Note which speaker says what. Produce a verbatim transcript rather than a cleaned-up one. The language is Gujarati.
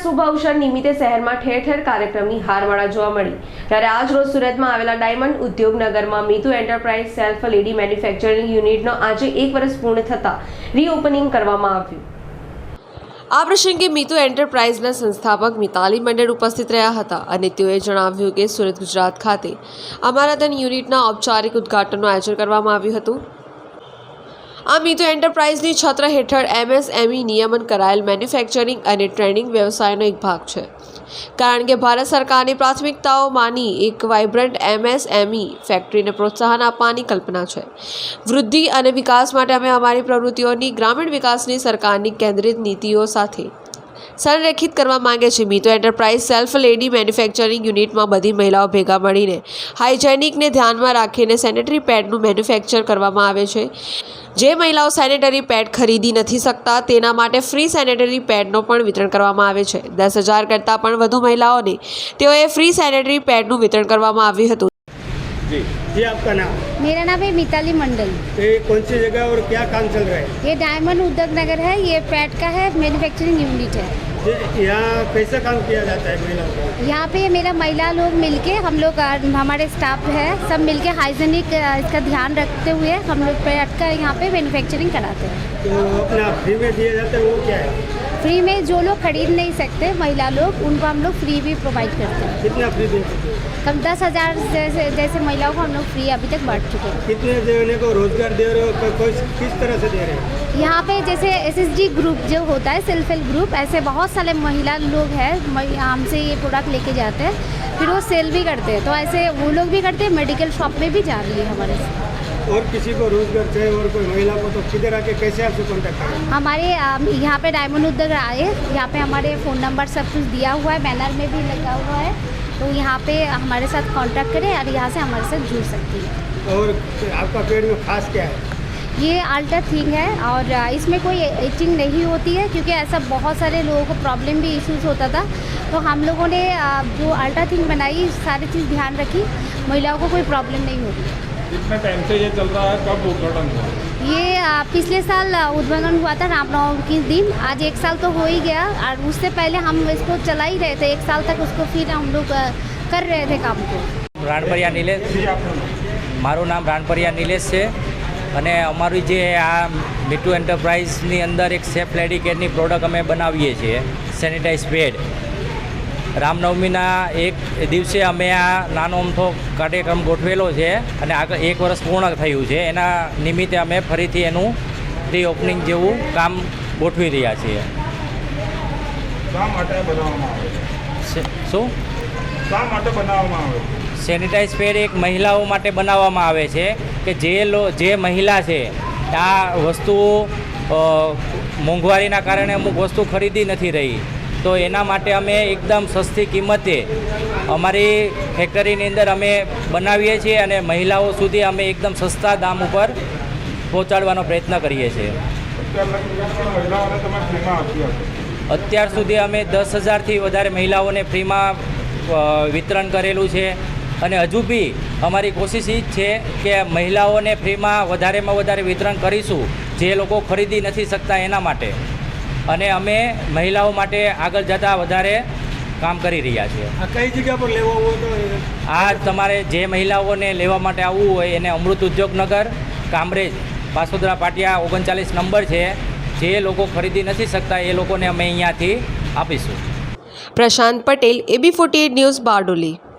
Speaker 1: શુભ અવસર નિમિત્તે શહેરમાં ઠેર ઠેર કાર્યક્રમની હારમાળા જોવા મળી ત્યારે આજ રોજ સુરતમાં આવેલા ડાયમંડ ઉદ્યોગનગરમાં Mitu enterprise self lady manufacturing યુનિટનો આજે એક વર્ષ પૂર્ણ થતાં રીઓપનિંગ કરવામાં આવ્યું। આ પ્રસંગે મીતુ એન્ટરપ્રાઇઝના સંસ્થાપક મિતાલી મંડળ ઉપસ્થિત રહ્યા હતા અને તેઓએ જણાવ્યું કે સુરત ગુજરાત ખાતે અમારાધન યુનિટના ઔપચારિક ઉદ્ઘાટનનું આયોજન કરવામાં આવ્યું હતું। આ મીતુ એન્ટરપ્રાઇઝની છત્ર હેઠળ એમએસએમઈ નિયમન કરાયેલ મેન્યુફેક્ચરિંગ અને ટ્રેડિંગ વ્યવસાયનો એક ભાગ છે, કારણ કે ભારત સરકારની પ્રાથમિકતાઓમાંની એક વાઇબ્રન્ટ એમએસએમઈ ફેક્ટરીને પ્રોત્સાહન આપવાની કલ્પના છે। વૃદ્ધિ અને વિકાસ માટે અમે અમારી પ્રવૃત્તિઓની ગ્રામીણ વિકાસની સરકારની કેન્દ્રિત નીતિઓ સાથે સંરેખિત કરવા માંગે છે। Mitu enterprise self lady manufacturing યુનિટમાં બધી મહિલાઓ ભેગા મળીને હાઇજેનિકને ધ્યાનમાં રાખીને સેનેટરી પેડનું મેન્યુફેક્ચર કરવામાં આવે છે। જે મહિલાઓ સેનેટરી પેડ ખરીદી નથી શકતા તેના માટે ફ્રી સેનેટરી પેડનો પણ વિતરણ કરવામાં આવે છે। દસ હજાર કરતાં પણ વધુ મહિલાઓને તેઓએ फ्री सैनिटरी पैड નું વિતરણ કરવામાં આવ્યું હતું।
Speaker 2: जी जी आपका नाम?
Speaker 3: मेरा नाम है मिताली मंडल।
Speaker 2: तो ये कौन सी जगह और क्या काम चल रहा है?
Speaker 3: ये डायमंड उद्योग नगर है, ये पैड का है, मैन्युफैक्चरिंग यूनिट है।
Speaker 2: ये यहाँ कैसा काम किया जाता है महिलाओं को?
Speaker 3: यहाँ पे मेरा महिला लोग मिलके हम लोग हमारे स्टाफ है सब मिलके हाइजीनिक इसका ध्यान रखते हुए हम लोग पैड का यहाँ पे मैन्युफैक्चरिंग कराते हैं।
Speaker 2: तो अपना फ्री में दिया जाता है वो क्या है?
Speaker 3: फ्री में जो लोग खरीद नहीं सकते महिला लोग उनको हम लोग फ्री भी प्रोवाइड करते हैं।
Speaker 2: कितना फ्री दे सकते हैं?
Speaker 3: कम दस हज़ार जैसे जैसे महिलाओं को हम लोग फ्री अभी तक बांट चुके हैं।
Speaker 2: कितने देने को रोजगार दे रहे हो, कोई किस तरह से दे रहे हो?
Speaker 3: यहाँ पे जैसे एसएसजी ग्रुप जो होता है सेल्फ हेल्प ग्रुप, ऐसे बहुत सारे महिला लोग हैं हमसे ये प्रोडक्ट लेके जाते हैं, फिर वो सेल भी करते हैं। तो ऐसे वो लोग भी करते हैं, मेडिकल शॉप में भी जा रही है हमारे से।
Speaker 2: और किसी को रोजगार चाहिए और कोई महिला को तो किधर आके कैसे आपसे कांटेक्ट करें?
Speaker 3: हमारे यहाँ पे डायमंड उद्योग आए, यहाँ पे हमारे फ़ोन नंबर सब कुछ दिया हुआ है, बैनर में भी लगा हुआ है, तो यहाँ पे हमारे साथ कांटेक्ट करें और यहाँ से हमारे साथ जुड़ सकती है।
Speaker 2: और आपका पेड़ में खास क्या है?
Speaker 3: ये अल्ट्रा थिंग है और इसमें कोई इचिंग नहीं होती है, क्योंकि ऐसा बहुत सारे लोगों को प्रॉब्लम भी इश्यूज होता था, तो हम लोगों ने जो अल्ट्रा थिंग बनाई सारी चीज़ ध्यान रखी, महिलाओं को कोई प्रॉब्लम नहीं होती।
Speaker 4: कितने टाइम से ये चल रहा है, कब उद्घाटन हुआ?
Speaker 3: ये पिछले साल उद्घाटन हुआ था रामनवमी के दिन, आज एक साल तो हो ही गया और उससे पहले हम इसको चला ही रहे थे, एक साल तक उसको फिर हम लोग कर रहे थे काम को।
Speaker 5: રાણપરિયા નિલેશ, મારું નામ રાણપરિયા નિલેશ છે અને અમારી જે આ મીતુ એન્ટરપ્રાઇઝની અંદર એક સેફ લેડી કેરની પ્રોડક્ટ અમે બનાવીએ છીએ, સેનિટાઈઝ પેડ। રામનવમીના એક દિવસે અમે આ નાનો અમથો કાર્યક્રમ ગોઠવેલો છે અને આગળ એક વર્ષ પૂર્ણ થયું છે, એના નિમિત્તે અમે ફરીથી એનું રીઓપનિંગ જેવું કામ ગોઠવી રહ્યા છીએ।
Speaker 4: શા માટે બનાવવામાં આવે છે?
Speaker 5: શું
Speaker 4: શા માટે બનાવવામાં આવે છે?
Speaker 5: સેનિટાઈઝ પેડ એક મહિલાઓ માટે બનાવવામાં આવે છે કે જે લો જે મહિલા છે આ વસ્તુઓ મોંઘવારીના કારણે અમુક વસ્તુ ખરીદી નથી રહી, તો એના માટે અમે એકદમ સસ્તી કિંમતે અમારી ફેક્ટરીની અંદર અમે બનાવીએ છીએ અને મહિલાઓ સુધી અમે એકદમ સસ્તા દામ ઉપર પહોંચાડવાનો પ્રયત્ન કરીએ છીએ। અત્યાર સુધી અમે દસ હજારથી વધારે મહિલાઓને ફ્રીમાં વિતરણ કરેલું છે અને હજુ બી અમારી કોશિશ એ જ છે કે મહિલાઓને ફ્રીમાં વધારેમાં વધારે વિતરણ કરીશું જે લોકો ખરીદી નથી શકતા એના માટે, અને અમે મહિલાઓ માટે આગળ જતાં વધારે કામ કરી રહ્યા છીએ।
Speaker 2: આ કઈ જગ્યા પર લેવા હોય તો
Speaker 5: આ તમારે જે મહિલાઓને લેવા માટે આવવું હોય એને અમૃત ઉદ્યોગનગર કામરેજ પાસોદરા પાટિયા ઓગણચાલીસ નંબર છે, જે લોકો ખરીદી નથી શકતા એ લોકોને અમે અહીંયાથી આપીશું।
Speaker 1: Prashant Patel, AB forty eight news, Bardoli.